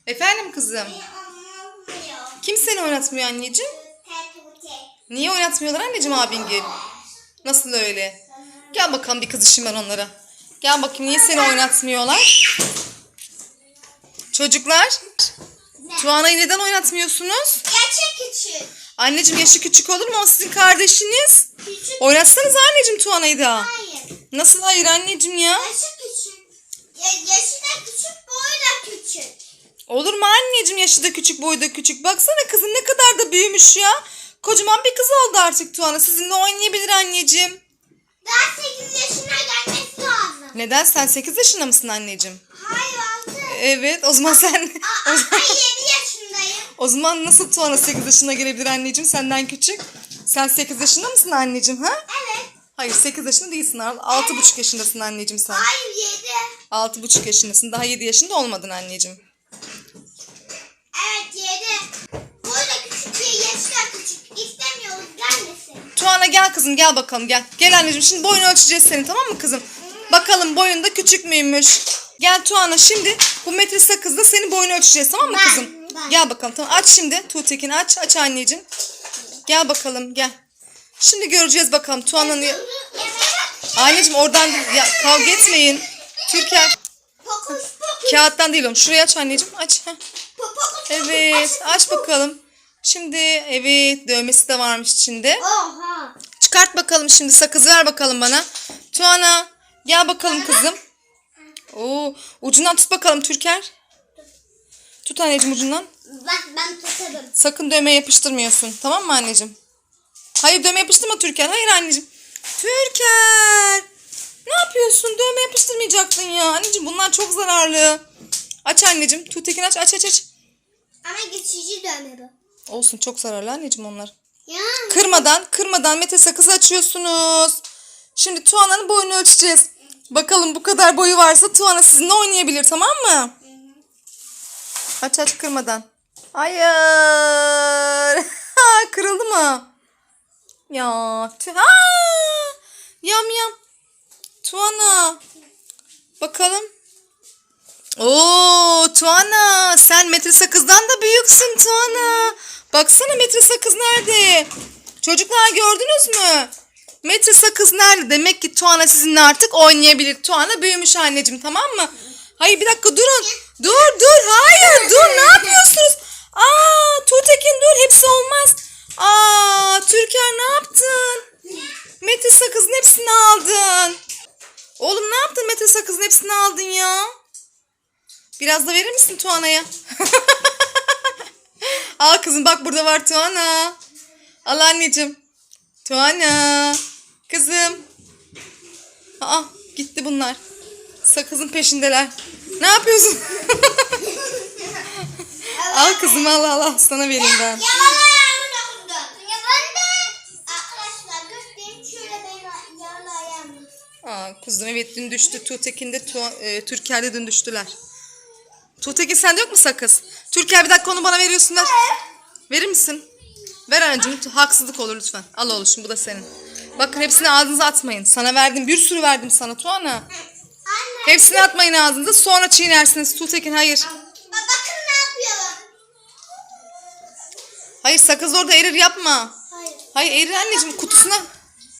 Efendim kızım? Kim seni oynatmıyor anneciğim? Niye oynatmıyorlar anneciğim abingil? Nasıl öyle? Gel bakalım bir kızışayım ben onlara. Gel bakayım niye seni oynatmıyorlar? Çocuklar. Tuana'yı neden oynatmıyorsunuz? Yaşı küçük. Anneciğim yaşı küçük olur mu? O sizin kardeşiniz. Küçük. Oynatsanız anneciğim Tuana'yı da. Hayır. Nasıl hayır anneciğim ya? Yaşı küçük. Yaşı da küçük, boyu da küçük. Olur mu anneciğim yaşı da küçük boyu da küçük. Baksana kızım ne kadar da büyümüş ya. Kocaman bir kız oldu artık Tuana. Sizinle oynayabilir anneciğim. Daha 8 yaşına gelmesi lazım. Neden? Sen 8 yaşında mısın anneciğim? Hayır 6. Evet o zaman sen... Ay 7 yaşındayım. O zaman nasıl Tuana 8 yaşına gelebilir anneciğim senden küçük? Sen 8 yaşında mısın anneciğim ha? Evet. Hayır 8 yaşında değilsin. 6,5 yaşındasın anneciğim sen. Hayır 7. 6,5 yaşındasın. Daha 7 yaşında olmadın anneciğim. Evet 7. Boyu da küçük diye yaşı da küçük. İstemiyoruz gelmesin. Tuana gel kızım gel bakalım gel. Gel anneciğim şimdi boyunu ölçeceğiz senin tamam mı kızım? Bakalım boyun da küçük müymüş? Gel Tuana şimdi bu metre sakızda senin boyunu ölçeceğiz tamam mı kızım? Ben. Gel bakalım tamam aç şimdi Tuğtekin aç anneciğim. Gel bakalım gel. Şimdi göreceğiz bakalım Tuana'nın... Anneciğim oradan ya, kavga etmeyin. Türker. Fokus fokus. Kağıttan değil oğlum. Şurayı aç anneciğim aç. Heh. Fokus. Evet aç bakalım. Şimdi evet dövmesi de varmış içinde. Oha. Çıkart bakalım şimdi sakız ver bakalım bana. Tuana gel bakalım kızım. Oo, ucundan tut bakalım Türker. Tut anneciğim ucundan. Ben tutarım. Sakın dövme yapıştırmıyorsun. Tamam mı anneciğim? Hayır dövme yapıştırma Türker. Hayır anneciğim. Türker. Ne yapıyorsun? Dövme yapıştırmayacaktın ya. Anneciğim bunlar çok zararlı. Aç anneciğim. Tuğtekin aç. Ama geçici dövme bu. Olsun çok zararlı anneciğim onlar. Ya. Kırmadan Mete sakızı açıyorsunuz. Şimdi Tuana'nın boyunu ölçeceğiz. Bakalım bu kadar boyu varsa Tuana sizinle oynayabilir tamam mı? Aç kırmadan. Hayır. Kırıldı mı? Ya. Yam. Tuana. Bakalım. Oo Tuana sen metre sakızdan da büyüksün Tuana. Baksana metre sakız nerede? Çocuklar gördünüz mü? Metre sakız nerede? Demek ki Tuana sizinle artık oynayabilir. Tuana büyümüş anneciğim tamam mı? Hayır bir dakika durun. Dur hayır dur ne yapıyorsunuz? Tuğtekin dur hepsi olmaz. Türker ne yaptın? Metre sakızın hepsini aldın. Oğlum ne yaptın metre sakızın hepsini aldın ya? Biraz da verir misin Tuana'ya? Al kızım bak burada var Tuana. Al anneciğim. Tuana. Kızım. Gitti bunlar. Sakızın peşindeler. Ne yapıyorsun? Al kızım al sana vereyim ben. Yalan ayağımı dokundu. Ya ben de. Arkadaşlar göstereyim şöyle benim yalan ayağımı. Kuzum evet dün düştü. Tuğtekin de Türker'de dün düştüler. Tuğtekin sende yok mu sakız? Türker bir dakika onu bana veriyorsun ver. Verir misin? Ver anneciğim. Haksızlık olur lütfen. Al oğlum bu da senin. Bakın hepsini ağzınıza atmayın. Sana verdim bir sürü verdim sana Tuana. Anne. Hepsini atmayın ağzınıza sonra çiğnersiniz. Tuğtekin hayır. Bakın ne yapıyorlar. Hayır sakız orada erir yapma. Hayır. Hayır erir anneciğim kutusuna.